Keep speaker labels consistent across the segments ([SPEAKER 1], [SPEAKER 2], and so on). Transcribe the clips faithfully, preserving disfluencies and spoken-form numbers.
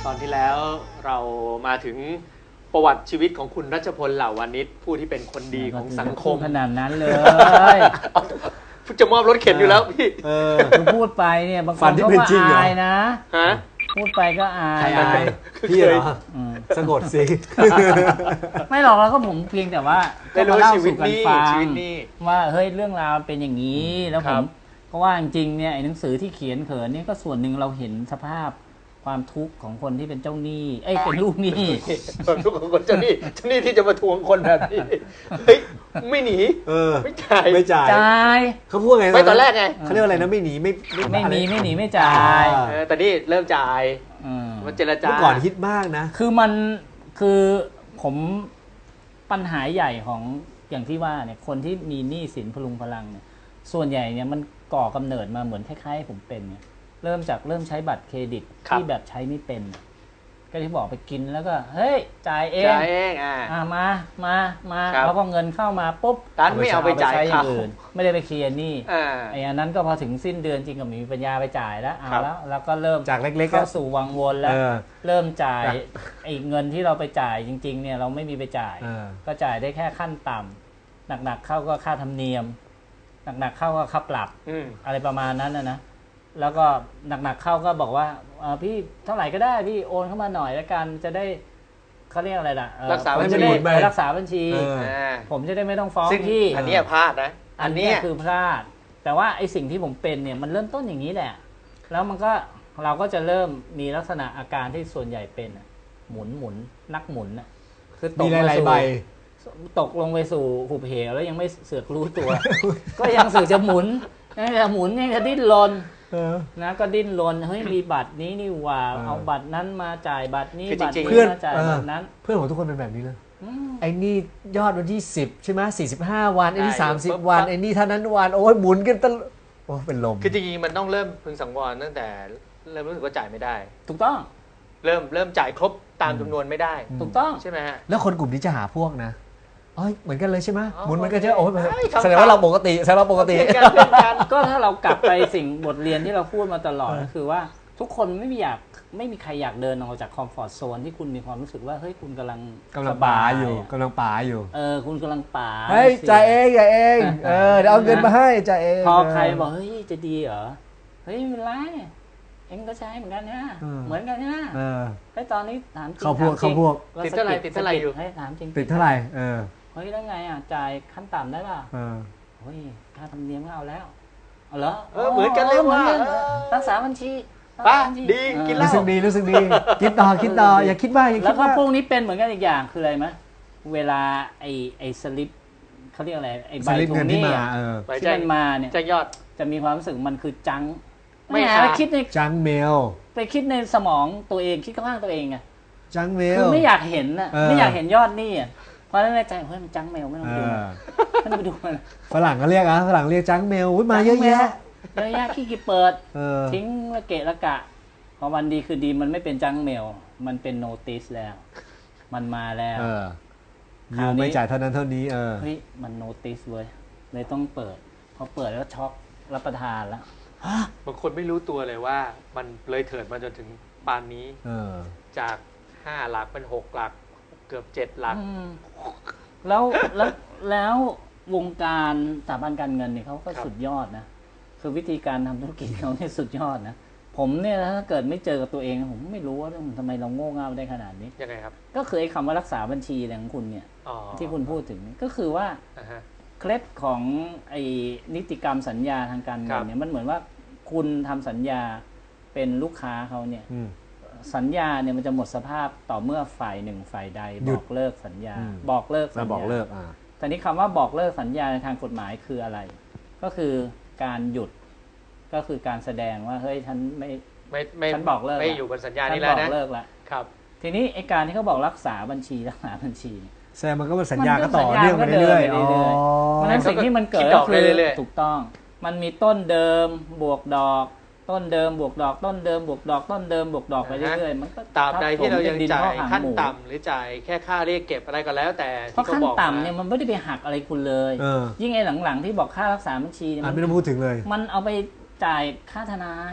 [SPEAKER 1] ตอนที่แล้วเรามาถึงประวัติชีวิตของคุณรัชพลเหล่าวานิชผู้ที่เป็นคนดีของสังคม
[SPEAKER 2] ขนาดนั้นเลย
[SPEAKER 1] จะมอบรถเข็นอยู่แล้วพี่
[SPEAKER 2] คือพูดไปเนี่ยบางคนก็อายนะ
[SPEAKER 1] ฮะ
[SPEAKER 2] พูดไปก็อาย
[SPEAKER 3] อายพี่เหรอสะกดสิ
[SPEAKER 2] ไม่หรอกเราก็ผมเพียงแต่ว่า
[SPEAKER 1] ก็มาเล่าสู่กันฟัง
[SPEAKER 2] ว่าเฮ้ยเรื่องราวเป็นอย่างนี้แล้วผมก็ว่าจริงๆเนี่ยไอ้หนังสือที่เขียนเขินนี่ก็ส่วนหนึ่งเราเห็นสภาพความทุกข์ของคนที่เป็นเจ้าหนี้เอ้ยเป็นลูกหนี้
[SPEAKER 1] ความทุกข์ของคนเจ้าหนี้เจ้าหนี้ที่จะมาทวงคนแบบนี้เฮ้ยไม่หนีไม่จ่าย
[SPEAKER 3] ไม่จ่าย
[SPEAKER 2] จ่าย
[SPEAKER 3] เขาพูดไง
[SPEAKER 1] ไม่ตอนแรกไง
[SPEAKER 3] เขาเรียกอะไรนะไม่หนีไม่
[SPEAKER 2] ไม่หนีไม่หนีไม่จ่าย
[SPEAKER 1] แต่นี่เริ่มจ่ายมันเจรจา
[SPEAKER 3] เมื่อก่อนฮิตมากนะ
[SPEAKER 2] คือมันคือผมปัญหาใหญ่ของอย่างที่ว่าเนี่ยคนที่มีหนี้สินพลุงพลังเนี่ยส่วนใหญ่เนี่ยมันก่อกำเนิดมาเหมือนคล้ายๆผมเป็นเนี่ยเริ่มจากเริ่มใช้บัตรเครดิตที่แบบใช้ไม่เป็นก็ที่บอกไปกินแล้วก็เฮ้ยจ่ายเอง
[SPEAKER 1] จ่ายเองอ่า
[SPEAKER 2] มามามาแล้วพอเงินเข้ามาปุ๊บ
[SPEAKER 1] ร้านไม่เอาไปจ่าย
[SPEAKER 2] เขาไม่ได้ไปเคลียร์หนี้ไอ้อันนั้นก็พอถึงสิ้นเดือนจริงก็มีปัญญาไปจ่ายแล้วเอาแล้วแล้วก็เริ่ม
[SPEAKER 3] จากเล็กๆ
[SPEAKER 2] เข้าสู่วังวนแล้วเริ่มจ่ายไอ้เงินที่เราไปจ่ายจริงๆเนี่ยเราไม่มีไปจ่ายก็จ่ายได้แค่ขั้นต่ำหนักๆเข้าก็ค่าธรรมเนียมหนักๆเข้าก็ค่าปรับอะไรประมาณนั้นนะนะแล้วก็หนักๆเข้าก็บอกว่าพี่เท่าไหร่ก็ได้พี่โอนเข้ามาหน่อยแล้วกันจะได้เขาเรียกอะไรล่ะ
[SPEAKER 1] รักษาบัญชี
[SPEAKER 2] รักษาบัญชีผมจะได้ไม่ต้องฟ้องพี่
[SPEAKER 1] อันนี้พลาดนะ
[SPEAKER 2] อันนี้คือพลาดแต่ว่าไอ้สิ่งที่ผมเป็นเนี่ยมันเริ่มต้นอย่างนี้แหละแล้วมันก็เราก็จะเริ่มมีลักษณะอาการที่ส่วนใหญ่เป็นหมุนหมุนนักหมุน
[SPEAKER 3] คือตกหลายใบ
[SPEAKER 2] ตกลงไปสู่หุบเหวแล้วยังไม่เสือกรู้ตัวก็ยังเสือกจะหมุนยังจะหมุนยังจะดิ้นรนนะก็ดิ้นรนเฮ้ยมีบัตรนี้นี่ว่าเอาบัตรนั้นมาจ่ายบัตรนี้บัตรนี้มาจ่ายบัตรนั้น
[SPEAKER 3] เพื่อนของทุกคนเป็นแบบนี้เลยไอ้นี่ยอดวันที่สิบใช่ไหมสี่สิบห้าวันไอ้นี่สามสิบวันไอ้นี่เท่านั้นวันโอ้ยหมุนกันตลอดโอ้เป็นลม
[SPEAKER 1] คือจริงๆมันต้องเริ่มพึงสังวรตั้งแต่เริ่มรู้สึกว่าจ่ายไม่ได้
[SPEAKER 2] ถูกต้อง
[SPEAKER 1] เริ่มเริ่มจ่ายครบตามจำนวนไม่ได้
[SPEAKER 2] ถูกต้อง
[SPEAKER 1] ใช่ไหมฮะ
[SPEAKER 3] แล้วคนกลุ่มนี้จะหาพวกนะอ๋อเหมือนกันเลยใช่ไหมหมุนเหมือนกันใช่โอ้แสดงว่าเราปกติแสดงว่าปกติ
[SPEAKER 2] ก็ถ้าเรากลับไปสิ่งบทเรียนที่เราพูดมาตลอดก็คือว่าทุกคนไม่มีอยากไม่มีใครอยากเดินออกจากคอมฟอร์ทโซนที่คุณมีความรู้สึกว่าเฮ้ยคุณกำลัง
[SPEAKER 3] กำลังป่าอยู่กำลังป่าอยู่
[SPEAKER 2] เออคุณกำลังป่า
[SPEAKER 3] เฮ้ยจ่ายเองจ่ายเองเออเดี๋ยวเอาเงินมาให้จ่ายเอง
[SPEAKER 2] พอใครบอกเฮ้ยจะดีเหรอเฮ้ยไม่เป็นไรเองก็ใช้เหมือนกันนะเหมือนกันนะไอ้ตอนนี้ถามจริง
[SPEAKER 3] เขาพวกเขาพวก
[SPEAKER 1] ติดเท่าไหร่ติดเท่าไหร่อยู่
[SPEAKER 2] ให้ถามจริง
[SPEAKER 3] ติดเท่าไหร่เออ
[SPEAKER 2] เฮ้ยแล้วไงอ่ะจ่ายขั้นต่ำได้ป่ะเออเฮ้ยค่าธรรมเนียมก็เอาแล้วเอาเหรอ
[SPEAKER 1] เออเหมือนกันเลยว่า
[SPEAKER 2] รักษาบัญชี
[SPEAKER 1] ป้าดีกินเหล้า
[SPEAKER 3] รู้สึกดีรู้สึกดีคิดต่อคิดต่ออย่าคิดมากอย่าคิดมาก
[SPEAKER 2] แล้วก็พวกนี้เป็นเหมือนกันอีกอย่างคืออะไรไหมเวลาไอ้ไอ้สลิปเขาเรียกอะไรไอ้ใบทวงหนี้ที่มันมาเนี่ย
[SPEAKER 1] จะยอด
[SPEAKER 2] จะมีความรู้สึกมันคือจังไม่หาไปคิดใน
[SPEAKER 3] จังเมล
[SPEAKER 2] ไปคิดในสมองตัวเองคิดข้างตัวเองไง
[SPEAKER 3] จังเมล
[SPEAKER 2] คือไม่อยากเห็นน่ะไม่อยากเห็นยอดหนี้อ่ะเพราะในใจเฮ้ยมันจังเมลไม่ต้องดูไม่ต้องไปดูมัน
[SPEAKER 3] ฝรั่งก็เรียกอ่ะฝรั่งเรียกจังเมลมาเยอะแยะ
[SPEAKER 2] เยอะแยะขี้กีเปิดทิ้งละเกะละกะพอวันดีคือดีมันไม่เป็นจังเมลมันเป็นโนติสแล้วมันมาแล้ว
[SPEAKER 3] ยูไม่จ่ายเท่านั้นเท่านี้เออ
[SPEAKER 2] เฮ้ยมันโนติสเว้ยเลยต้องเปิดพอเปิดแล้วช็อกรับประทานแล้ว
[SPEAKER 1] บางคนไม่รู้ตัวเลยว่ามันเลยเถิดมาจนถึงปานนี้จากห้าหลักเป็นหกหลักเกือบเจ็ดหลัก
[SPEAKER 2] แล้วแล้วแล้ววงการสถาบันการเงินเนี่ยเขาก็สุดยอดนะคือวิธีการทำธุรกิจเขาเนี่ยสุดยอดนะผมเนี่ยถ้าเกิดไม่เจอกับตัวเองผมไม่รู้ว่าทำไมเราโง่เง่าได้ขนาดนี้
[SPEAKER 1] ยังไงครับ
[SPEAKER 2] ก็คือไอ้คำว่ารักษาบัญชีอะไรของคุณเนี่ยที่คุณพูดถึงก็คือว่าเคล็ดของไอ้นิติกรรมสัญญาทางการเงินเนี่ยมันเหมือนว่าคุณทำสัญญาเป็นลูกค้าเขาเนี่ยสัญญาเนี่ยมันจะหมดสภาพต่อเมื่อฝ่ายหนึ่งฝ่ายใดบอกเลิกสัญญาบอกเลิกสัญญา
[SPEAKER 3] บอกเลิก
[SPEAKER 2] ตอนนี้คำว่าบอกเลิกสัญญาในทางกฎหมายคืออะไรก็คือการหยุดก็คือการแสดงว่าเฮ้ยฉันไม่
[SPEAKER 1] ไม่ไม่
[SPEAKER 2] ฉันบอกเลิก
[SPEAKER 1] ไม่อยู่บนสัญญานี้แล้วนะ
[SPEAKER 2] บอกเลิกแล้วครับทีนี้ไอ้การที่เขาบอกรักษาบัญชีรักษาบัญชี
[SPEAKER 3] แสดงมันก็เป็นสัญญาก็ต่อเนื่องไปเรื่อยๆ
[SPEAKER 2] เพราะฉะนั้นสิ่งที่มันเกิดก็คือถูกต้องมันมีต้นเดิมบวกดอกต้นเดิมบวกดอกต้นเดิมบวกดอกต้นเดิมบวกดอกไปเรื่อยๆมันก็
[SPEAKER 1] ตราบใดที่เรายังจ่ายขั้นต่ำหรือจ่ายแค่ค่าเรียกเก็บอะไรก็แล้วแต่
[SPEAKER 2] เพราะขั้นต่ำเนี่ยมันไม่ได้ไปหักอะไรคุณเลยยิ่งไอ้หลังๆที่บอกค่ารักษาบัญชี
[SPEAKER 3] มันไม่ต้องพูดถึงเลย
[SPEAKER 2] มันเอาไปจ่ายค่าทนาย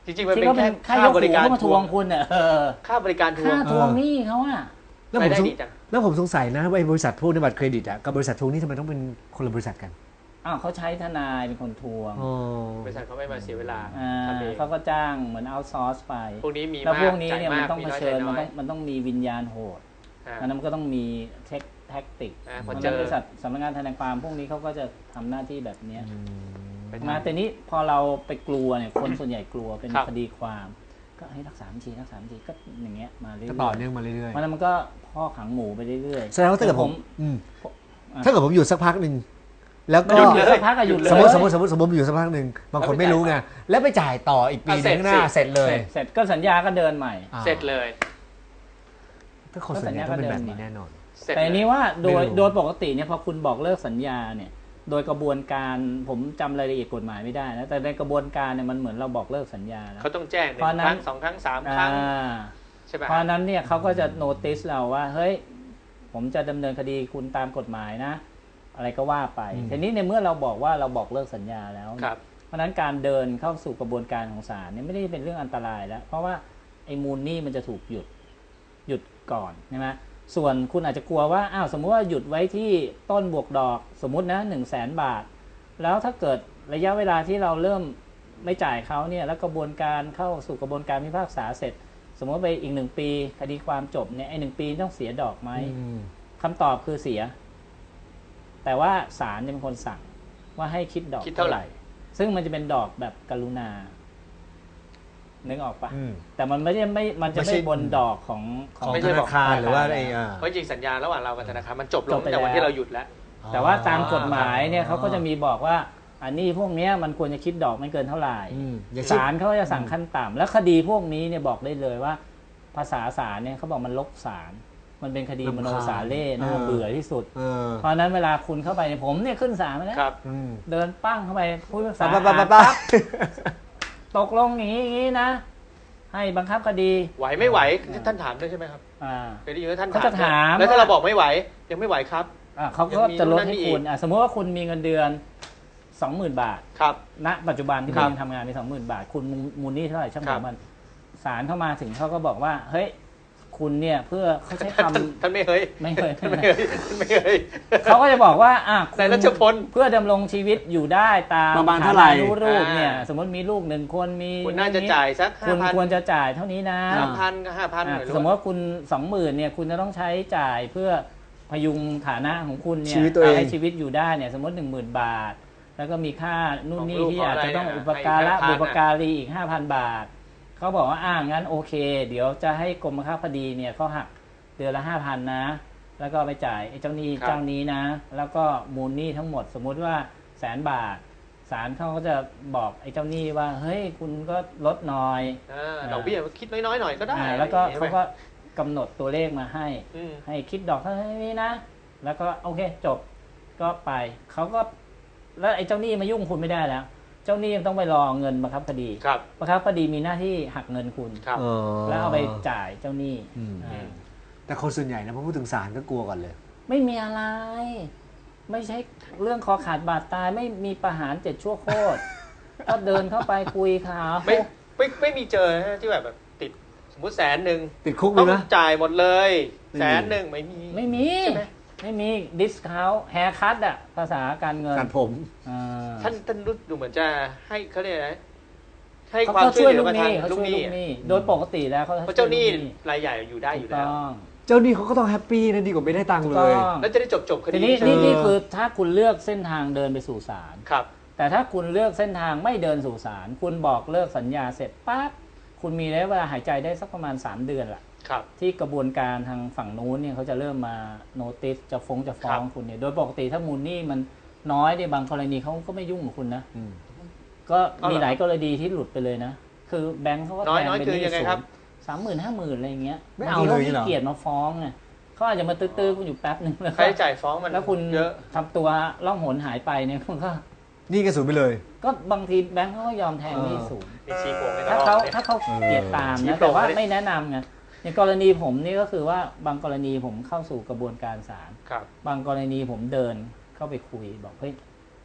[SPEAKER 1] จริงๆมันเป็นแค่ค่าบริการ
[SPEAKER 2] ทวงคุณเนี่ย
[SPEAKER 1] ค่าบริการทวง
[SPEAKER 2] ค่าทวงหนี้เขาอะ
[SPEAKER 3] แล้วผมแล้วผมสงสัยนะว่าบริษัทพวกในบัตรเครดิตอะกับบริษัททวงหนี้ทำไมต้องเป็นคนละบริษัทกัน
[SPEAKER 2] อ้าวเขาใช้ทนายเป็นคนทวง
[SPEAKER 1] บริษัทเขาไม่มาเสียเวลา
[SPEAKER 2] เขาก็จ้างเหมือนเอาซอร์สไป
[SPEAKER 1] พวกนี้มี
[SPEAKER 2] แล้วพวกนี้เนี่ยมันต้องเผชิญมันต้องมันต้องมีวิญญาณโหดอันนั้นมันก็ต้องมีเทคแท็กติกเพราะฉะนั้นบริษัทสำนักงานทนายความพวกนี้เขาก็จะทำหน้าที่แบบนี้มาแต่นี้พอเราไปกลัวเนี่ยคนส่วนใหญ่กลัวเป็นคดีความก็ให้รักษาบัญชีรักษาบัญชีก็อย่างเงี้ยมาเรื่อย
[SPEAKER 3] ๆต่อเนื่องมาเรื่อย
[SPEAKER 2] ๆมันมันก็พ่อขังหมูไปเรื่อย
[SPEAKER 3] ๆแสดงว่าถ้าเกิดผมถ้าเกิดผมอยู่สักพักหนึ่งแล้วก็
[SPEAKER 2] สักพักก็หยุดเลย
[SPEAKER 3] สมมติสมมติสมมติสมมติอยู่สักพักหนึ่งบางคนไม่รู้ไงแล้วไปจ่ายต่ออีกปีนึงข้างหน้าเสร็จเลย
[SPEAKER 2] เสร็จก็สัญญาก็เดินใหม่
[SPEAKER 1] เสร็จเลย
[SPEAKER 3] ถ้าคนสัญญาก็เป็นแบบนี้แน่นอน
[SPEAKER 2] แต่นี้ว่าโดยโดยปกติเนี่ยพอคุณบอกเลิกสัญญาเนี่ยโดยกระบวนการผมจำรายละเอียดกฎหมายไม่ได้นะแต่ในกระบวนการเนี่ยมันเหมือนเราบอกเลิกสัญญาแล้ว
[SPEAKER 1] เขาต้องแจ้งหนึ่งครั้งสองครั้งสามครั้งใช่ไหม
[SPEAKER 2] เพราะนั้นเนี่ยเขาก็จะโนติสเราว่าเฮ้ยผมจะดำเนินคดีคุณตามกฎหมายนะอะไรก็ว่าไปทีนี้ในเมื่อเราบอกว่าเราบอกเลิกสัญญาแล้วเพราะนั้นการเดินเข้าสู่กระบวนการของศาลเนี่ยไม่ได้เป็นเรื่องอันตรายแล้วเพราะว่าไอ้มูลหนี้มันจะถูกหยุดหยุดก่อนใช่ไหมส่วนคุณอาจจะกลัวว่าอ้าวสมมติว่าหยุดไว้ที่ต้นบวกดอกสมมุตินะหนึ่งแสนบาทแล้วถ้าเกิดระยะเวลาที่เราเริ่มไม่จ่ายเขาเนี่ยแล้วกระบวนการเข้าสู่กระบวนการพิพากษาเสร็จสมมติไปอีกหนึ่งปีคดีความจบเนี่ยไอ้หนึ่งปีต้องเสียดอกไหมคำตอบคือเสียแต่ว่าศาลจะเป็นคนสั่งว่าให้คิดดอกเท่าไหร่ซึ่งมันจะเป็นดอกแบบกรุณานึกออกปะแต่มันไม่ใช่ไม่มันจะไม่บนดอกของ
[SPEAKER 3] ของธนาคารหรือว่าอะไร
[SPEAKER 1] เพราะจริงสัญญาระหว่างเรากับธนาคารมันจบลงแต่วันที่เราหยุดแล้ว
[SPEAKER 2] แต่ว่าตามกฎหมายเนี่ยเขาก็จะมีบอกว่าอันนี้พวกนี้มันควรจะคิดดอกไม่เกินเท่าไหร่ศาลเขาจะสั่งขั้นต่ำแล้วคดีพวกนี้เนี่ยบอกได้เลยว่าภาษาศาลเนี่ยเขาบอกมันลกศาลมันเป็นคดีมโนสาเล่น่าเบื่อที่สุดเพราะนั้นเวลาคุณเข้าไปเนี่ยผมเนี่ยขึ้นศาลมาแล้วเดินปั้งเข้าไปพูดภาษาปั๊บตกลงอย่างนี้อย่างนี้นะให้บังคับคดี
[SPEAKER 1] ไหวไม่ไหวท่านถามด้วยใช่ไหมครับเคยได้ยินว่าท่าน
[SPEAKER 2] ถาม
[SPEAKER 1] แล้วถ้าเราบอกไม่ไหวยังไม่ไหวครับ
[SPEAKER 2] เขาก็จะลดให้คุณสมมติว่าคุณมีเงินเดือน สองหมื่น บาท
[SPEAKER 1] ครับ
[SPEAKER 2] ณปัจจุบันที่คุณทำงานมี สองหมื่น บาทคุณมูลหนี้เท่าไหร่ช่างมันศาลเข้ามาถึงเขาก็บอกว่าเฮ้ยคุณเนี่ยเพื่อเขาใช้ค
[SPEAKER 1] ำท่านไม่เฮ้ย
[SPEAKER 2] ไม่เคย
[SPEAKER 1] ไม่เคยไม่เคย
[SPEAKER 2] เขาก็จะบอกว่าอ่ะ
[SPEAKER 1] แต่รัชพล
[SPEAKER 2] เพื่อดำรงชีวิตอยู่ได้ตาม
[SPEAKER 3] ประมาณเท่าไหร่
[SPEAKER 2] รูปเนี่ยสมมติมีลูกหนึ่งคนมี
[SPEAKER 1] คุณน่าจะจ่ายสัก
[SPEAKER 2] คุณควรจะจ่ายเท่านี้นะ
[SPEAKER 1] สามพัน กับ ห้าพัน
[SPEAKER 2] สมมติว่าคุณ สองหมื่น เนี่ยคุณจะต้องใช้จ่ายเพื่อพยุงฐานะของคุณเนี่ยให้ชีวิตอยู่ได้เนี่ยสมมติ หนึ่งหมื่น บาทแล้วก็มีค่านู่นนี่ที่อาจจะต้องอุปการะบุปการีอีก ห้าพัน บาทเขาบอกว่าอ่างั้นโอเคเดี๋ยวจะให้กรมบังคับคดีเนี่ยเขาหักเดือนละ ห้าพัน นะแล้วก็ไปจ่ายไอ้เจ้าหนี้เจ้านี้นะแล้วก็มูลหนี้ทั้งหมดสมมุติว่าแสนบาทศาลเขาก็จะบอกไอ้เจ้าหนี้ว่าเฮ้ยคุณก็ลดหน่อย
[SPEAKER 1] ดอกเบี้ยคิดน้อยๆหน่อยก็ได้
[SPEAKER 2] แล้วก็เขาก็กำหนดตัวเลขมาให้ให้คิดดอกเท่านี้นะแล้วก็โอเคจบก็ไปเขาก็แล้วไอ้เจ้าหนี้มายุ่งคุณไม่ได้แล้วเจ้าหนี้ต้องไปรอเงินบังคับคดีบังคับคดีมีหน้าที่หักเงินคุณแล้วเอาไปจ่ายเจ้าหนี้
[SPEAKER 3] แต่คนส่วนใหญ่นะพอพูดถึงศาลก็กลัวก่อนเลย
[SPEAKER 2] ไม่มีอะไรไม่ใช่เรื่องคอขาดบาดตายไม่มีประหารเจ็ดชั่วโคตรก็เดินเข้าไปคุยเขา
[SPEAKER 1] ไม่ไม่ไม่มีเจอที่แบบแบบติดสมมติแสนหนึ่ง
[SPEAKER 3] ติดคุก
[SPEAKER 1] ต้
[SPEAKER 3] อง
[SPEAKER 1] จ่ายหมดเลยแสนหนึ่งไม่มี
[SPEAKER 2] ไม่มีไม่มีดิสคาวต์แฮร์คัตอะภาษาการเงิน
[SPEAKER 3] การผม
[SPEAKER 1] ท่านท่านรู้ดูเหมือนจะให้เขาเรียกอะไรให้ความช่วยเหลือมาทางลูกหนี้
[SPEAKER 2] โดยปกติแล้วเขา
[SPEAKER 1] เจ้าหนี้รายใหญ่อยู่ได้อยู่แล้ว
[SPEAKER 3] เจ้าหนี้เขาก็ต้องแฮปปี้นะดีกว่าไม่ได้ตังค์เลย
[SPEAKER 1] แล้วจะได้จบจบคดี
[SPEAKER 2] ทีนี้นี่นี่คือถ้าคุณเลือกเส้นทางเดินไปสู่ศาล
[SPEAKER 1] ครับ
[SPEAKER 2] แต่ถ้าคุณเลือกเส้นทางไม่เดินสู่ศาลคุณบอกเลิกสัญญาเสร็จปั๊บคุณมีระยะเวลาหายใจได้สักประมาณสามเดือนละที่กระบวนการทางฝั่งนู้นเนี่ยเขาจะเริ่มมาโนติสจะฟ้องจะฟ้องคุณเนี่ยโดยปกติถ้ามูลหนี้มันน้อยในบางกรณีเขาก็ไม่ยุ่งกับคุณนะก็มีหลายกรณีที่หลุดไปเลยนะคือแบงค์เขาก็แทนเป็นหนี้สูงสามหมื่นห้าหมื่นอะไรเงี้ย
[SPEAKER 3] ไม่เอาเลย
[SPEAKER 2] เหรอเกียรติมาฟ้องไงเขาอาจจะมาตื้อๆคุณอยู่แป๊บนึงแล้ว
[SPEAKER 1] ค่าใช้จ่ายฟ้องมัน
[SPEAKER 2] แล้วคุณ
[SPEAKER 1] เยอะ
[SPEAKER 2] ทำตัวล่องหนหายไปเนี่ยคุณก็
[SPEAKER 3] นี่ก็สูงไปเลย
[SPEAKER 2] ก็บางทีแบงค์เขาก็ยอมแทงหนี้สูงถ้า
[SPEAKER 1] เขา
[SPEAKER 2] ถ้าเขาเกียรติตามนะแต่ว่าไม่แนะนำไงในกรณีผมนี่ก็คือว่าบางกรณีผมเข้าสู่กระบวนการศาลบางกรณีผมเดินเข้าไปคุยบอกเฮ้ย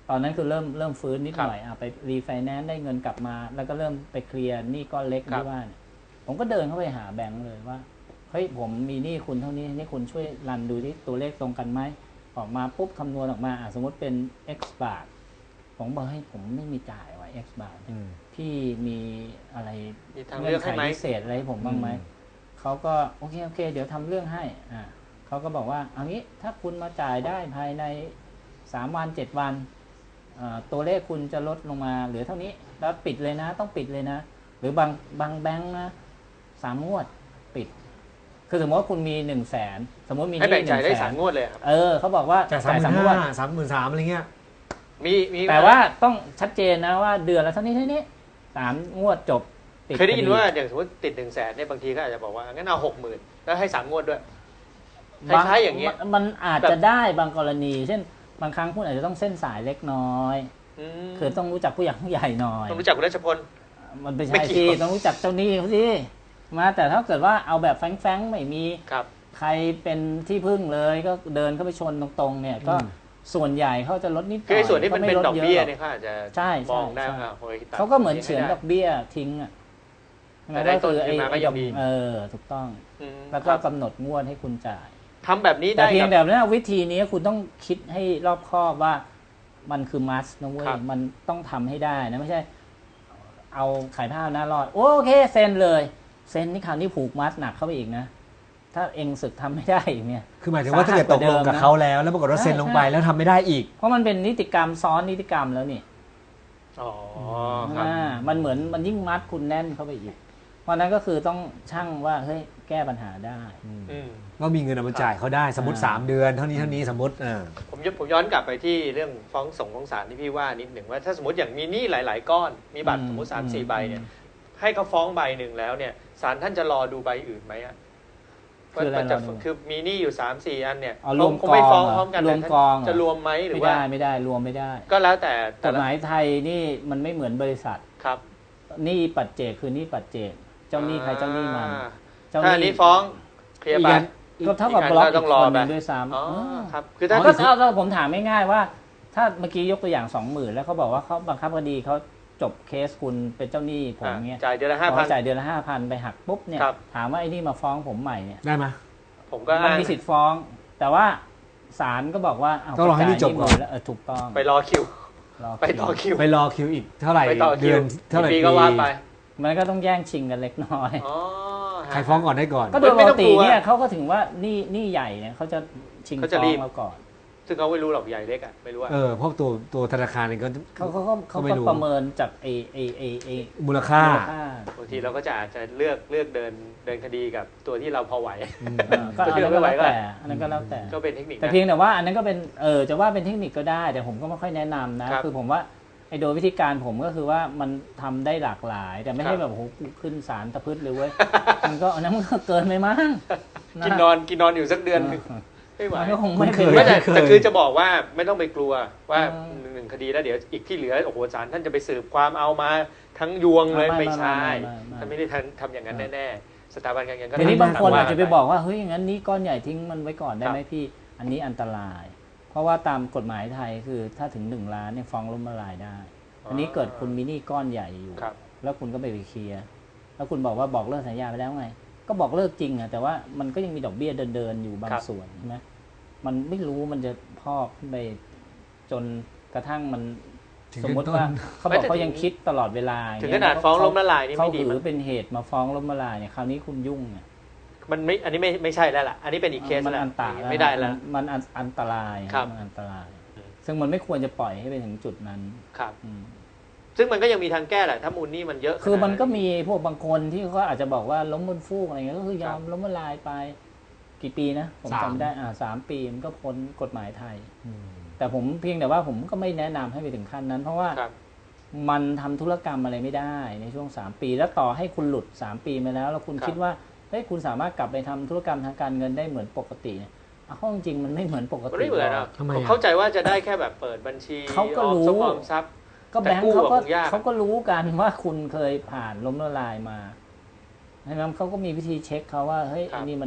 [SPEAKER 2] ตอนนั้นคือเริ่มเริ่มฟื้นนิดหน่อยอ่ะไปรีไฟแนนซ์ได้เงินกลับมา แล้วก็เริ่มไปเคลียร์หนี้ก้อนเล็กที่ว่าเนี่ยผมก็เดินเข้าไปหาแบงก์เลยว่าเฮ้ยผมมีหนี้คุณเท่านี้นี่คุณช่วยรันดูที่ตัวเลขตรงกันไหมออกมาปุ๊บคำนวณออกมาอ่ะสมมติเป็น x บาทผมบอกให้ผมไม่มีจ่ายไว้ x บาทพี่มีอะไร
[SPEAKER 1] เงื่อนไข
[SPEAKER 2] พิเศษอะไรให้ผมบ้างไหมเขาก็โอเคโอเคเดี๋ยวทำเรื่องให้อ่าเขาก็บอกว่าเอางี้ถ้าคุณมาจ่ายได้ภายในสามวันเจ็ดวันตัวเลขคุณจะลดลงมาเหลือเท่านี้แล้วปิดเลยนะต้องปิดเลยนะหรือบางบางแบงค์นะสามงวดปิดคือสมมติว่าคุณมีหนึ่งแสนสมมติมี
[SPEAKER 1] ให้แบ่งจ่ายได้สามงวดเลยครับ
[SPEAKER 2] เออเขาบอกว่า
[SPEAKER 3] จ่ายสามหมื่นห้าสามหมื่นสามอะไรเงี้ย
[SPEAKER 1] มีมี
[SPEAKER 2] แต่ว่าต้องชัดเจนนะว่าเดือนละเท่านี้เท่านี้สามงวดจบ
[SPEAKER 1] เคยได้ยินว่าอย่างสมมติติดหนึ่งแสนเนี่ยบางทีก็อาจจะบอกว่างั้นเอาหกหมื่นแล้วให้สามงวดด้วยคล้ายๆอย่างเงี้ย
[SPEAKER 2] มันอาจจะได้บางกรณีเช่นบางครั้งคุณอาจจะต้องเส้นสายเล็กน้อยคือต้องรู้จักผู้ใหญ่ผู้ใหญ่หน่อย
[SPEAKER 1] ต้องรู้จักคุณราชพล
[SPEAKER 2] มันไม่ใช่ที่ต้องรู้จักเจ้าหนี้เขาสิมาแต่ถ้าเกิดว่าเอาแบบแฝงๆไม่มีใครเป็นที่พึ่งเลยก็เดินเข้าไปชนตรงๆเนี่ยก็ส่วนใหญ่เขาจะลดนิดหน่อย
[SPEAKER 1] คือส่วนที่มันเป็นดอกเบี้ยเนี่ยเขาอาจจะมองได้ว่า
[SPEAKER 2] เขาก็เหมือนเฉือนดอกเบี้ยทิ้งอ่ะ
[SPEAKER 1] แต่ได้ต้นขึ้นมาก็ยังดี
[SPEAKER 2] เออถูกต้องแล้วก็กำหนดงวดให้คุณจ่าย
[SPEAKER 1] ทำแบบนี้ได้
[SPEAKER 2] แต่เพียงแต่ว่าวิธีนี้คุณต้องคิดให้รอบคอบว่ามันคือมัสนะเว้ยมันต้องทำให้ได้นะไม่ใช่เอาขายผ้าหน้ารอดโอเคเซ็นเลยเซ็นนี่คราวนี้ผูกมัดหนักเข้าไปอีกนะถ้าเองสึกทำไม่ได้อีกเนี่ย
[SPEAKER 3] คือหมายถึงว่าถ้าเกิดตกลงกับเขาแล้วแล้วปรากฏว่าเซ็นลงไปแล้วทำไม่ได้อีก
[SPEAKER 2] เพราะมันเป็นนิติกรรมซ้อนนิติกรรมแล้วนี่
[SPEAKER 1] อ๋อครับ
[SPEAKER 2] มันเหมือนมันยิ่งมัดคุณแน่นเข้าไปอีกเพราะนั้นก็คือต้องชั่งว่าเฮ้ยแก้ปัญหาได้
[SPEAKER 3] ก็มีเงินเอามาจ่ายเขาได้สมมติสามเดือนเท่านี้เท่านี้สมมติ
[SPEAKER 1] ผมผมย้อนกลับไปที่เรื่องฟ้องส่งฟ้องศาลที่พี่ว่านิดหนึ่งว่าถ้าสมมติอย่างมีหนี้หลายๆก้อนมีบัตรสมมติสามสี่ใบเนี่ยให้เขาฟ้องใบหนึ่งแล้วเนี่ยศาลท่านจะรอดูใบอื่นไหมอ่ะ
[SPEAKER 2] คืออะไรเรา
[SPEAKER 1] คือมีหนี้อยู่สามสี่อันเนี่ย
[SPEAKER 2] รวมกองไม่ฟ้องพร้อมกันรวมกอง
[SPEAKER 1] จะรวมไหมหรือ
[SPEAKER 2] ว่าไม่ได้ไม่ได้รวมไม่ได้
[SPEAKER 1] ก็แล้วแต่
[SPEAKER 2] กฎหมายไทยนี่มันไม่เหมือนบริษัท
[SPEAKER 1] ครับ
[SPEAKER 2] หนี้ปัจเจกคือหนี้ปัจเจกเจ้าหนี้ใครเจ้าหนี้มัน
[SPEAKER 1] ถ้านี้ฟ้องเคลียร์ไป
[SPEAKER 2] ก็เท่ากับบล็อกอีกคนนึงด้วยซ้
[SPEAKER 1] ำครับคือถ้
[SPEAKER 2] าก็เอาผมถามง่ายๆว่าถ้าเมื่อกี้ยกตัวอย่างสองหมื่นแล้วเขาบอกว่าเขาบังคับคดีเขาจบเคสคุณเป็นเจ้าหนี้ผมเงี้ย
[SPEAKER 1] จ่ายเดือนละห้าพัน
[SPEAKER 2] จ่ายเดือนละห้าพันไปหักปุ๊บเนี่ยถามว่าไอ้นี่มาฟ้องผมใหม่เนี่ย
[SPEAKER 3] ได้ไหม
[SPEAKER 1] ผมก็
[SPEAKER 2] มันมีสิทธิ์ฟ้องแต่ว่าศาลก็บอกว่า
[SPEAKER 3] ต้องรอให้นี่จบก่อน
[SPEAKER 2] แล้วถูกต้อง
[SPEAKER 1] ไปรอคิวไปต่อคิว
[SPEAKER 3] ไปรอคิวอีกเท่าไหร่เดือนเท่าไหร่
[SPEAKER 1] ปีก็ว่าไป
[SPEAKER 2] มันก็ต้องแย่งชิงกันเล็กน้อย
[SPEAKER 3] ใครฟ้องก่อนได้ก่อน
[SPEAKER 2] ก็โดยปกติเนี่ยเขาก็ถึงว่านี่นี่ใหญ่เนี่ยเขาจะชิงฟ้องเราก่อน
[SPEAKER 1] ซึ่งเขาไม่รู้หรอกใหญ่เล็กอ่ะไม่รู้ว่า
[SPEAKER 3] เออเพราะตัวตัวธนาคารเองก็
[SPEAKER 2] เขาเขาเขาก็ประเมินจากไอไอไอไอ
[SPEAKER 3] มูลค่า
[SPEAKER 1] บางทีเราก็จะอาจจะเลือกเลือกเดินเดินคดีกับตัวที่เราพอไหว
[SPEAKER 2] ก็อันนั้นก็แล้วแต่อันนั้นก็แล้วแต่
[SPEAKER 1] ก็เป็นเทคนิค
[SPEAKER 2] แต่เพียงแต่ว่าอันนั้นก็เป็นเออจะว่าเป็นเทคนิคก็ได้แต่ผมก็ไม่ค่อยแนะนำนะคือผมว่าไอ้โดยวิธีการผมก็คือว่ามันทำได้หลากหลายแต่ไม่ให้แบบโอ้โหขึ้นศาลตะพืชเลยเว้ยมันก็อันนั้นมันก็เกินไปมั้ง
[SPEAKER 1] กินนอนกินนอนอยู่สักเดือนไม่ไหว
[SPEAKER 2] ก็คงไม่เคย
[SPEAKER 1] แต่คือจะบอกว่าไม่ต้องไปกลัวว่าหนึ่งคดีแล้วเดี๋ยวอีกที่เหลือโอ้โหศาลท่านจะไปสืบความเอามาทั้งยวงเลยไม่ใช่ท่านไม่ได้ทำอย่างนั้นแน่ๆสถาบันการเงินก็
[SPEAKER 2] ทีนี้บางคนอาจจะไปบอกว่าเฮ้ยอย่างนั้นนี้ก้อนใหญ่ทิ้งมันไว้ก่อนได้ไหมพี่อันนี้อันตรายเพราะว่าตามกฎหมายไทยคือถ้าถึงหนึ่งล้านเนี่ยฟ้องล้มละลายได้อันนี้เกิดคุณมีหนี้ก้อนใหญ่อยู่แล้วคุณก็ไปไปเคลียร์แล้วคุณบอกว่าบอกเลิกสัญญาไปแล้วไงก็บอกเลิกจริงอะแต่ว่ามันก็ยังมีดอกเบี้ยเดินๆอยู่บางส่วนใช่ไหมมันไม่รู้มันจะพอกขึ้นไปจนกระทั่งมันสมมติว่าเขาบอกเขายังคิดตลอดเวลา
[SPEAKER 1] ถึงขนาดฟ้องล้มละลายนี่
[SPEAKER 2] ไม่ดีเขาถือเป็นเหตุมาฟ้องล้มละลายเนี่ยคราวนี้คุณยุ่งเนี่ย
[SPEAKER 1] มันไม่อันนี้ไม่ไม่ใช่แล้วล่ะอันนี้เป็นอีกเคส
[SPEAKER 2] มันอันตราย
[SPEAKER 1] ไม่ได้แล้ว
[SPEAKER 2] มันอันตรายมันอันตรายซึ่งมันไม่ควรจะปล่อยให้ไปถึงจุดนั้น
[SPEAKER 1] ครับซึ่งมันก็ยังมีทางแก้แหละถ้ามูลนี่มันเยอะ
[SPEAKER 2] คือมันก็มีพวกบางคนที่เขาอาจจะบอกว่าล้มบนฟูกอะไรเงี้ยก็คือยอมล้มละลายไปกี่ปีนะผมจำได้อ่าสามปีมันก็พ้นกฎหมายไทยแต่ผมเพียงแต่ว่าผมก็ไม่แนะนำให้ไปถึงขั้นนั้นเพราะว่ามันทำธุรกรรมอะไรไม่ได้ในช่วงสามปีแล้วต่อให้คุณหลุดสามปีมาแล้วแล้วคุณคิดว่าเฮ้ยคุณสามารถกลับไปทำธุรกรรมทางการเงินได้เหมือนปกติเนี่ยเอาจริงมันไม่เหมือนปกติ
[SPEAKER 1] ไม่เหมือนอ่ะผมเข้าใจว่าจะได้แค่แบบเปิดบัญชี
[SPEAKER 2] เขาก็รู้ก็แบงค์เขาก็เขาก็รู้กันว่าคุณเคยผ่านล้มละลายมาใช่ไหมเขาก็มีวิธีเช็คเขาว่าเฮ้ยอันนี้มัน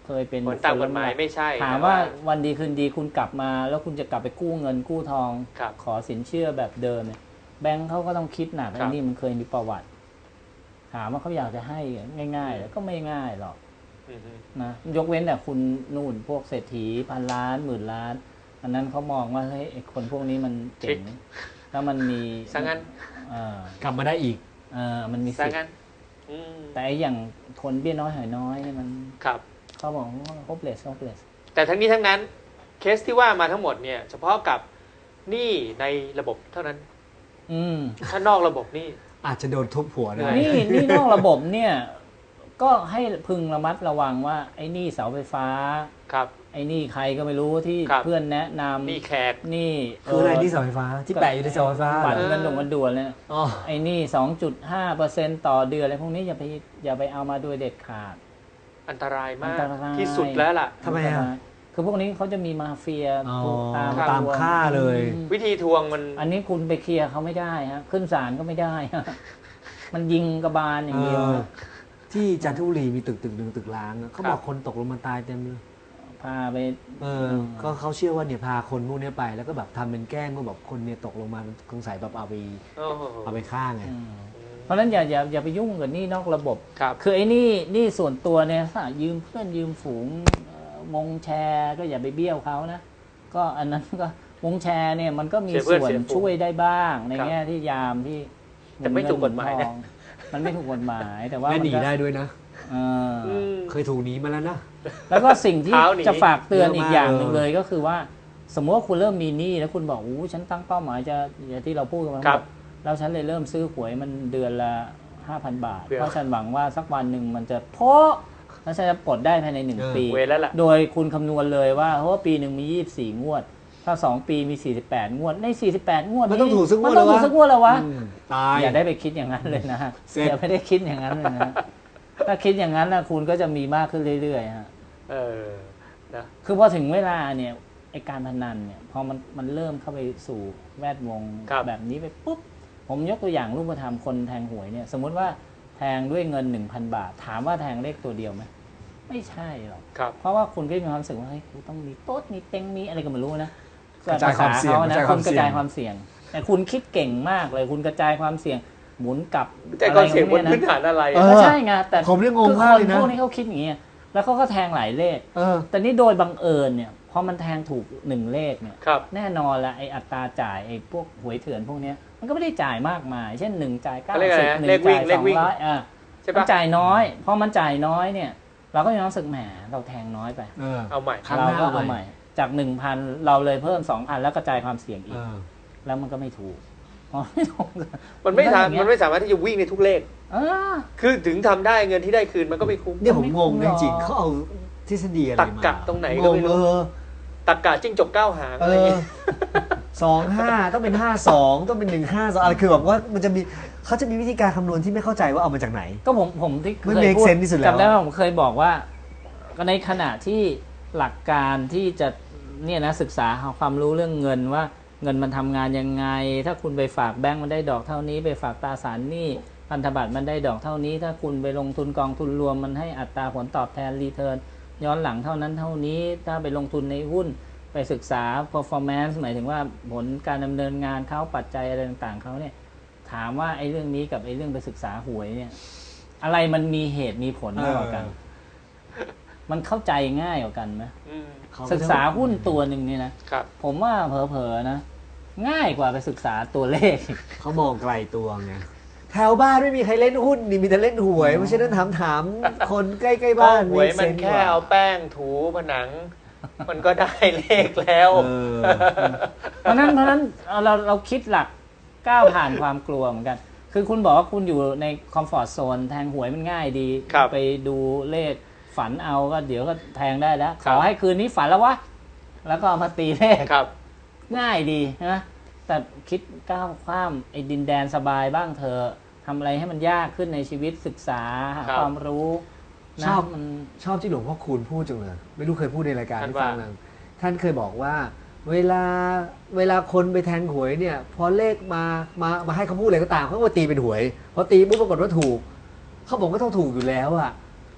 [SPEAKER 2] เคยเป็น
[SPEAKER 1] ผลตามกฎหมายไม่ใช่
[SPEAKER 2] ถามว่าวันดีคืนดีคุณกลับมา แล้วคุณจะกลับไปกู้เงินกู้ทอง ขอสินเชื่อแบบเดิมเนี่ยแบงค์เขาก็ต้องคิดหนักไอ้นี่มันเคยมีประวัติถามว่าเขาอยากจะให้ง่ายๆแล้วก็ไม่ง่ายหรอกนะยกเว้นแต่คุณนู่นพวกเศรษฐีพันล้านหมื่นล้านอันนั้นเขามองว่าเฮ้ยคนพวกนี้มันเจ๋งแล้วมันมี
[SPEAKER 1] สังงั้น
[SPEAKER 3] กลับมาได้อีก
[SPEAKER 2] เออมันมีสิทธิ์แต่อย่างคนเบี้ยน้อยหอยน้อยเนี่ยมัน
[SPEAKER 1] ครับ
[SPEAKER 2] เขาบอกว่า hopeless hopeless
[SPEAKER 1] แต่ทั้งนี้ทั้งนั้นเคสที่ว่ามาทั้งหมดเนี่ยเฉพาะกับหนี้ในระบบเท่านั้นถ้านอกระบบนี่
[SPEAKER 3] อาจจะโดนทุบหัวได้
[SPEAKER 2] นี่นี่นอกระบบเนี่ยก็ให้พึงระมัดระวังว่าไอ้นี่เสาไฟฟ้า
[SPEAKER 1] ครับ
[SPEAKER 2] ไอ้นี่ใครก็ไม่รู้ที่เพื่อนแนะนำ
[SPEAKER 1] นี่แขก
[SPEAKER 2] นี่
[SPEAKER 3] คืออะไรนี่เสาไฟฟ้าที่แปะอยู่ในเสาไฟฟ้า
[SPEAKER 2] บัตรเงินดงเงินด่วนเลยไอ้นี่ สองจุดห้าเปอร์เซ็นต์ ต่อเดือนอะไรพวกนี้อย่าไปอย่าไปเอามาโดยเด็ดขาด
[SPEAKER 1] อันตรายมากที่สุดแล้วล่ะ
[SPEAKER 3] ทำไมอ่ะ
[SPEAKER 2] คือพวกนี้เขาจะมีมาเฟีย
[SPEAKER 3] ตามตามฆ่าเลย
[SPEAKER 1] วิธีทวงมัน
[SPEAKER 2] อันนี้คุณไปเคลียร์เขาไม่ได้ฮะขึ้นศาลก็ไม่ได้มันยิงกระบาลอย่างเดียว
[SPEAKER 3] ที่จันทบุรีมีตึกตึกหนึ่งตึกล้างเขาบอกคนตกลงมาตายเต็มเลย
[SPEAKER 2] พาไป
[SPEAKER 3] เออก็เขาเชื่อว่าเนี่ยพาคนพวกนี้ไปแล้วก็แบบทำเป็นแกล้งว่าแบบคนเนี่ยตกลงมาสงสัยแบบเอาไปเอาไปฆ่าไง
[SPEAKER 2] เพราะฉะนั้นอย่าอย่าอย่าไปยุ่งกับนี่นอกระบบคือไอ้นี่นี่ส่วนตัวเนี่ยถ้ายืมเพื่อนยืมฝูงวงแชร์ก็อย่าไปเบี้ยวเขานะก็อันนั้นก็วงแชร์เนี่ยมันก็มีส่วนช่วยได้บ้างในแง่ที่ยามที่
[SPEAKER 1] แต่ไม่ถูกกฎหมายนะ
[SPEAKER 2] มันไม่ถูกกฎหมายแต่ว่า
[SPEAKER 3] หนีได้ด้วยนะเคยถูกหนีมาแล้วนะ
[SPEAKER 2] แล้วก็สิ่งที่จะฝากเตือนอีกอย่างหนึ่งเลยก็คือว่าสมมติว่าคุณเริ่มมีหนี้แล้วคุณบอกอู้ฉันตั้งเป้าหมายจะอย่างที่เราพูดกันมาแล้วฉันเลยเริ่มซื้อหวยมันเดือนละ ห้าพัน บาทเพราะฉันหวังว่าสักวันหนึ่งมันจะโพะแล้วฉันจะปลดได้ภายในหนึ่งปีโดยคุณคำนวณเลยว่าเพราะว่าปีหนึ่งมียี่สิบสี่งวดถ้าสองปีมีสี่สิบแปดงวดในสี่สิบแปดงวด
[SPEAKER 3] มันต้องถูกสักงวด
[SPEAKER 2] แล้ววะมันต้องถูกสักงวดแล้ววะ
[SPEAKER 3] ตาย
[SPEAKER 2] อย่าได้ไปคิดอย่างนั้นเลยนะอย่าไม่ได้คิดอย่างนั้นเลยนะถ้าคิดอย่างนั้นนะคุณก็จะมีมากขึ้นเรื่อยๆฮะ
[SPEAKER 1] เออนะ
[SPEAKER 2] คือพอถึงเวลาเนี่ยไอการพนันเนี่ยพอมันมันเริ่มเข้าไปสู่แวดวงแบบนี้ไปปุ๊บผมยกตัวอย่างรูปธรรมคนแทงหวยเนี่ยสมมติว่าแทงด้วยเงิน หนึ่งพัน บาทถามว่าแทงเลขตัวเดียวไหมไม่ใช่หรอกเพราะว่าคุณก็มีความรู้สึกว่าเฮ้ยกูต้องมีโต๊ดมีเต็งมีอะไรก็ไม่รู้นะ
[SPEAKER 3] กระจายความเสี่ยง
[SPEAKER 2] นะคนกระจายความเสี่ยงแต่คุณคิดเก่งมากเลยคุณกระจายความเสี่ยงหมุนกลับ
[SPEAKER 1] แต่ความเสี่ยงบนพื้นฐานอะไร
[SPEAKER 2] ก็ใช่ไงแต่
[SPEAKER 3] ผมเรื่องงงมากเลยนะ
[SPEAKER 2] พวกนี้เขาคิดอย่างนี้แล้วเขาก็แทงหลายเลขแต่นี่โดยบังเอิญเนี่ยพอมันแทงถูกหนึ่งเลขเนี่ยแน่นอนละไออัตราจ่ายไอพวกหวยเถื่อนพวกนี้มันก็ไม่ได้จ่ายมากมายเช่นหนึ่งจ่ายเก้าสิบหนึ่งจ่ายสองร้อยอ่ะมันจ่ายน้อยพอมันจ่ายน้อยเนี่ยเราก็ยังรู้สึกแหมเราแทงน้อยไป
[SPEAKER 1] เอาใหม่
[SPEAKER 2] เราก็เอาใหม่จากหนึ่งพันเราเลยเพิ่มสองพันแล้วกระจายความเสี่ยงอีกแล้วมันก็ไม่ถูก
[SPEAKER 1] ไม่ถูกมันไม่ทำมันไม่สามารถที่จะวิ่งในทุกเลขคือถึงทำได้เงินที่ได้คืนมันก็ไม่คุ้ม
[SPEAKER 3] เนี่ยผมงงจริงๆเขาเอาทฤษฎีอะไรมา
[SPEAKER 1] ตักกะตรงไหนก็ไม่รู้ตักกะจิ้งจกเก้าหางอะไรอย่างเงี้ย
[SPEAKER 3] สองห้าต้องเป็นห้าสองต้องเป็นหนึ่งห้าสองอะไรคือแบบว่ามันจะมีเขาจะมีวิธีการคำนวณที่ไม่เข้าใจว่าเอามาจากไหน
[SPEAKER 2] ก็ผมผมที่
[SPEAKER 3] เคยพูด
[SPEAKER 2] จำได้ว่าผมเคยบอกว่าในขณะที่หลักการที่จะเนี่ยนะศึกษาความรู้เรื่องเงินว่าเงินมันทำงานยังไงถ้าคุณไปฝากแบงก์มันได้ดอกเท่านี้ไปฝากตราสารหนี้พันธบัตรมันได้ดอกเท่านี้ถ้าคุณไปลงทุนกองทุนรวมมันให้อัตราผลตอบแทนรีเทิร์นย้อนหลังเท่านั้นเท่านี้ถ้าไปลงทุนในหุ้นไปศึกษา performance หมายถึงว่าผลการดำเนินงานเขาปัจจัยอะไรต่างๆเขาเนี่ยถามว่าไอ้เรื่องนี้กับไอ้เรื่องไปศึกษาหวยเนี่ยอะไรมันมีเหตุมีผลมากกว่ากันมันเข้าใจง่ายกว่ากันไหมศึกษาหุ้นตัวหนึ่งนี่นะผมว่าเผลอๆนะง่ายกว่าไปศึกษาตัวเลข
[SPEAKER 3] เขามองไกลตัวไงแถวบ้านไม่มีใครเล่นหุ้นนี่มีแต่เล่นหวยเพราะฉะนั้นถามถามคนใกล้ๆบ้าน
[SPEAKER 1] หวยมันแค่เอาแป้งถูผนังมันก็ได้เลขแล้ว
[SPEAKER 2] เพราะนั้นเพราะนั้นเราเราคิดหลักก้าวผ่านความกลัวเหมือนกันคือคุณบอกว่าคุณอยู่ในคอมฟอร์ตโซนแทงหวยมันง่ายดีไปดูเลขฝันเอาก็เดี๋ยวก็แทงได้แล้วขอให้คืนนี้ฝันแล้ววะแล้วก็เอามาตีเลขง่ายดีนะแต่คิดก้าวข้ามไอ้ดินแดนสบายบ้างเธอทำอะไรให้มันยากขึ้นในชีวิตศึกษาหาความรู้
[SPEAKER 3] ชอบมันชอบที่หลวงพ่อคูณพูดจังเลยไม่รู้เคยพูดในรายการที่ฟังมั้งท่านเคยบอกว่าเวลาเวลาคนไปแทงหวยเนี่ยพอเลขมามามาให้เขาพูดอะไรก็ตามเขาก็ตีเป็นหวยพอตีปุ๊บปรากฏว่าถูกเขาบอกก็ต้องถูกอยู่แล้วอ่ะ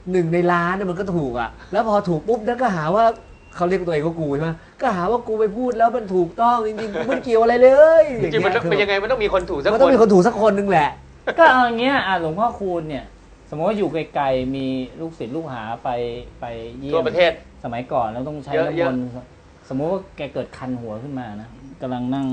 [SPEAKER 3] หนึ่งในล้านน่ะมันก็ถูกอ่ะแล้วพอถูกปุ๊บนั่นก็หาว่าเขาเรียกตัวเองว่ากูใช่ไหมก็หาว่ากูไปพูดแล้วมันถูกต้องจริงๆกูไม่เกี่ยวอะไรเลย
[SPEAKER 1] จริงๆมันต้องเป็นยังไงมันต้องมีคนถูกสัก
[SPEAKER 3] มัน
[SPEAKER 1] ค
[SPEAKER 3] ต้อง
[SPEAKER 1] น
[SPEAKER 3] มีคนถูกสักคนนึงแหละ
[SPEAKER 2] ก็เอาอย่างเงี้ยอ่ะหลวงพ่อคูณเนี่ยสมมติว่าอยู่ไกลๆมีลูกศิษย์ลูกหาไปไปเยี่ย
[SPEAKER 1] ทั่
[SPEAKER 2] ม
[SPEAKER 1] วประเทศ
[SPEAKER 2] สมัยก่อนแล้วต้องใช้
[SPEAKER 1] เยอะ
[SPEAKER 2] น้ำ
[SPEAKER 1] เย
[SPEAKER 2] ม
[SPEAKER 1] อะ
[SPEAKER 2] นต์สมมติว่าแกเกิดคันหัวขึ้นมานะกำลังนั่ง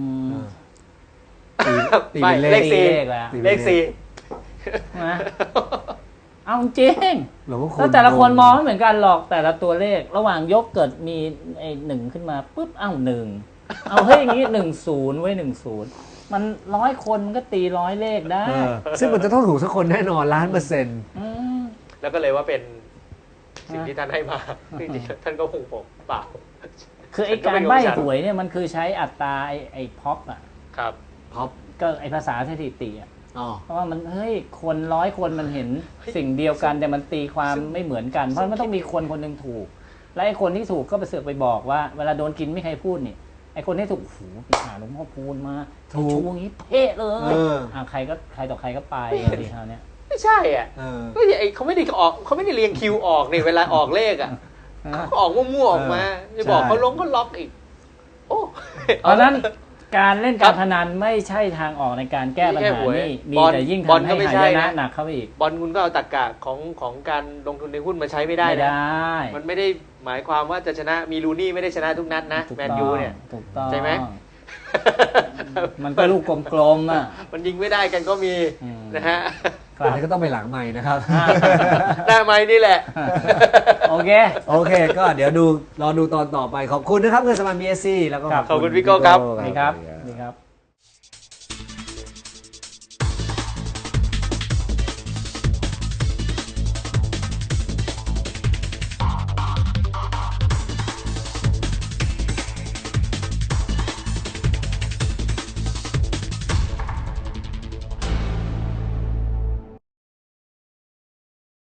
[SPEAKER 3] ตีตี
[SPEAKER 1] ไม่
[SPEAKER 3] เป็น
[SPEAKER 1] เล
[SPEAKER 3] เล
[SPEAKER 1] ข
[SPEAKER 3] ข
[SPEAKER 1] สี่
[SPEAKER 2] เลขแล้ว
[SPEAKER 1] เลขสี่
[SPEAKER 2] นะเอาจริง
[SPEAKER 3] หลวงพ่อคูณ
[SPEAKER 2] แล้วแต่ละคนมองไม่เหมือนกันหรอกแต่ละตัวเลข ระหว่างยกเกิดมีไอ้หนึ่งขึ้นมาปุ๊บเอ้าหนึ่งเอาเฮ้ยอย่างงี้หนึ่งศูนย์ไว้หนึ่งศูนย์มันร้อยคนมันก็ตีร้อยเลขได้
[SPEAKER 3] เออซึ่งมันจะต้องถูกสักคนแน่นอนล้านเปอร์เซ็นต์
[SPEAKER 2] ม
[SPEAKER 1] แล้วก็เลยว่าเป็นสิ่ง
[SPEAKER 2] ฮะ
[SPEAKER 1] ที่ท่านให้มาจริงๆท่านก็คงผมเปล่า
[SPEAKER 2] คือไอ้
[SPEAKER 1] ก็
[SPEAKER 2] กา
[SPEAKER 1] ไม่
[SPEAKER 2] ร
[SPEAKER 1] มี
[SPEAKER 2] ใบ้
[SPEAKER 1] โอกาส
[SPEAKER 2] หวยเนี่ยมันคือใช้อัตราไอ้ไอ้พ็อปอ่ะ
[SPEAKER 1] ครับ
[SPEAKER 3] พ็อป
[SPEAKER 2] ก็ไอ้ภาษาสถิติอ่ะ
[SPEAKER 3] อ๋อ
[SPEAKER 2] เพราะว่ามันเฮ้ยคนร้อยคนมันเห็นสิ่งเดียวกันแต่มันตีความไม่เหมือนกัน เพราะมันต้องมีคนคนหนึ่งถูก และไอ้คนที่ถูกก็ไปเสือกไปบอกว่าเวลาโดนกินไม่ใครพูดนี่ไอ้คนที่ถูกโอ้โหไปหาหลวงพ่อพูนมาถูกช่วงนี้เพ่เล
[SPEAKER 3] เอย อ
[SPEAKER 2] อ่าใครก็ใครต่อใครก็ไปดีคราวเนี้ย
[SPEAKER 1] ไม่ใช่อ่ะ
[SPEAKER 3] เออ
[SPEAKER 1] ก็ไอ้เขาไม่ได้ออกเขาไม่ได้เรียงคิวออกนี่เวลาออกเลขอ่ะเขาออกมั่วๆออกมาจะบอกเขาลงก็ล็อกอีก โอ้
[SPEAKER 2] เพราะฉะนั้นการเล่นการพนันไม่ใช่ทางออกในการแก้ปัญหานี่มีแต่ยิ่งทำให้หายนะหนักเข้าไปอีก
[SPEAKER 1] บอลคุณก็เอาตรรกะของของการลงทุนในหุ้นมาใช้ไม่ได้
[SPEAKER 2] ไม่
[SPEAKER 1] นะ
[SPEAKER 2] ได้
[SPEAKER 1] มันไม่ได้หมายความว่าจะชนะมีลูนี่ไม่ได้ชนะทุกนัดนะ
[SPEAKER 2] ถูก
[SPEAKER 1] แมน
[SPEAKER 2] ต้อง
[SPEAKER 1] ยูเนี่ย
[SPEAKER 2] ถูกต้อง
[SPEAKER 1] ใช่ไหม
[SPEAKER 2] มันก็ลูกกลมๆอ่ะ
[SPEAKER 1] มันยิงไม่ได้กันก็มี
[SPEAKER 2] อืม
[SPEAKER 1] นะฮะ
[SPEAKER 2] ครั
[SPEAKER 3] อัน
[SPEAKER 2] บ
[SPEAKER 3] นี้ก็ต้องไปหลังใหม่นะครับ
[SPEAKER 1] หน้าไม้นี่แหละ
[SPEAKER 2] โอเค
[SPEAKER 3] โอเค ก็เดี๋ยวดูรอดูตอนต่อไปขอบคุณนะครับเงินสมาน บี เอส ซี แล้วก็
[SPEAKER 2] ครับ
[SPEAKER 1] ขอบคุณพี่โก้ครับ
[SPEAKER 3] พี่โก้
[SPEAKER 2] นี่ครับนี่ครับ